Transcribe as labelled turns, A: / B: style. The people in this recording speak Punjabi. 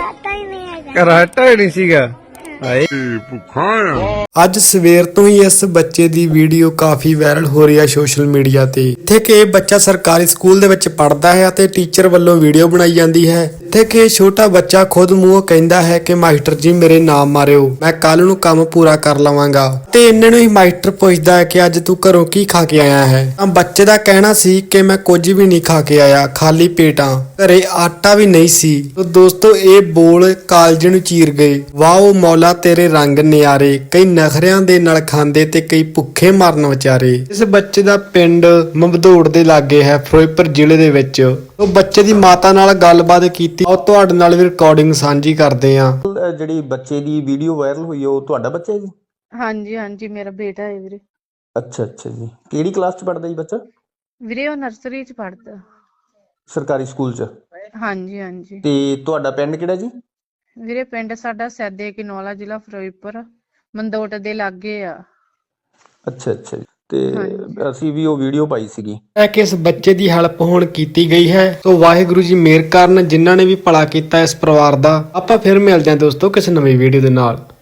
A: ਕਰਾਟਾ ਹੀ ਨਹੀਂ ਸੀਗਾ।
B: ਅੱਜ ਸਵੇਰ ਤੋਂ ਹੀ ਇਸ ਬੱਚੇ ਦੀ ਵੀਡੀਓ ਕਾਫੀ ਵਾਇਰਲ ਹੋ ਰਹੀ ਹੈ ਸੋਸ਼ਲ ਮੀਡੀਆ ਤੇ। ਇੱਥੇ ਕਿ ਇਹ ਬੱਚਾ ਸਰਕਾਰੀ ਸਕੂਲ ਦੇ ਵਿੱਚ ਪੜ੍ਹਦਾ ਹੈ ਅਤੇ ਟੀਚਰ ਵੱਲੋਂ ਵੀਡੀਓ ਬਣਾਈ ਜਾਂਦੀ ਹੈ। ਇੱਥੇ ਕਿ ਇਹ ਛੋਟਾ ਬੱਚਾ ਖੁਦ ਮੂੰਹੋਂ ਕਹਿੰਦਾ ਹੈ ਕਿ ਮਾਸਟਰ ਜੀ ਮੇਰੇ ਨਾਮ ਮਾਰਿਓ, ਮੈਂ ਕੱਲ ਨੂੰ ਕੰਮ ਪੂਰਾ ਕਰ ਲਵਾਂਗਾ। ਤੇ ਇਹਨਾਂ ਨੂੰ ਹੀ ਮਾਸਟਰ ਪੁੱਛਦਾ ਹੈ ਕਿ ਅੱਜ ਤੂੰ ਘਰੋਂ ਕੀ ਖਾ ਕੇ ਆਇਆ ਹੈ। ਤਾਂ ਬੱਚੇ ਦਾ ਕਹਿਣਾ ਸੀ ਕਿ ਮੈਂ ਕੁਝ ਵੀ ਨਹੀਂ ਖਾ ਕੇ ਆਇਆ, ਖਾਲੀ ਪੇਟਾਂ, ਘਰੇ ਆਟਾ ਵੀ ਨਹੀਂ ਸੀ। ਤੋ ਦੋਸਤੋ ਇਹ ਬੋਲ ਕਾਲਜ ਨੂੰ ਚੀਰ ਗਏ। ਵਾਓ ਮੌਲਾ ਤੇਰੇ ਰੰਗ ਨਿਆਰੇ, ਕਈ ਨਖਰਿਆਂ ਦੇ ਨਾਲ ਖਾਂਦੇ ਤੇ ਕਈ ਭੁੱਖੇ ਮਰਨ ਵਿਚਾਰੇ। ਇਸ ਬੱਚੇ ਦਾ ਪਿੰਡ ਮਮਦੋੜ ਦੇ ਲਾਗੇ ਹੈ, ਫਿਰੋਜ਼ਪੁਰ ਜ਼ਿਲ੍ਹੇ ਦੇ ਵਿੱਚ। ਉਹ ਬੱਚੇ ਦੀ ਮਾਤਾ ਨਾਲ ਗੱਲਬਾਤ ਕੀਤੀ, ਉਹ ਤੁਹਾਡੇ ਨਾਲ ਵੀ ਰਿਕਾਰਡਿੰਗ ਸਾਂਝੀ ਕਰਦੇ ਆ।
C: ਜਿਹੜੀ ਬੱਚੇ ਦੀ ਵੀਡੀਓ ਵਾਇਰਲ ਹੋਈ ਹੈ ਉਹ ਤੁਹਾਡਾ ਬੱਚਾ ਹੈ ਜੀ?
D: ਹਾਂਜੀ ਹਾਂਜੀ, ਮੇਰਾ ਬੇਟਾ ਹੈ ਵੀਰੇ।
C: ਅੱਛਾ ਅੱਛਾ ਜੀ, ਕਿਹੜੀ ਕਲਾਸ ਚ ਪੜ੍ਹਦਾ ਜੀ ਬੱਚਾ?
D: ਵੀਰੇ ਉਹ ਨਰਸਰੀ ਚ ਪੜ੍ਹਦਾ।
C: ਸਰਕਾਰੀ ਸਕੂਲ ਚ?
D: ਹਾਂਜੀ ਹਾਂਜੀ।
C: ਤੇ ਤੁਹਾਡਾ ਪਿੰਡ ਕਿਹੜਾ ਜੀ?
D: ਵੀਰੇ ਪਿੰਡ ਸਾਡਾ ਸੈਦੇ ਕਿਨੌਲਾ, ਜ਼ਿਲ੍ਹਾ ਫਿਰੋਜ਼ਪੁਰ, ਮੰਦੋਟ ਦੇ ਲਾਗੇ ਆ।
C: ਅੱਛਾ ਅੱਛਾ ਜੀ। ਤੇ ਅਸੀਂ ਵੀ ਉਹ ਵੀਡੀਓ ਪਾਈ ਸੀਗੀ
B: ਕਿ ਇਸ ਬੱਚੇ ਦੀ ਹੈਲਪ ਹੁਣ ਕੀਤੀ ਗਈ ਹੈ। ਸੋ ਵਾਹਿਗੁਰੂ ਜੀ ਮਿਹਰ ਕਰਨ ਜਿਨ੍ਹਾਂ ਨੇ ਵੀ ਭਲਾ ਕੀਤਾ ਇਸ ਪਰਿਵਾਰ ਦਾ। ਆਪਾਂ ਫਿਰ ਮਿਲਦੇ ਹਾਂ ਦੋਸਤੋ ਕਿਸੇ ਨਵੀਂ ਵੀਡੀਓ ਦੇ ਨਾਲ।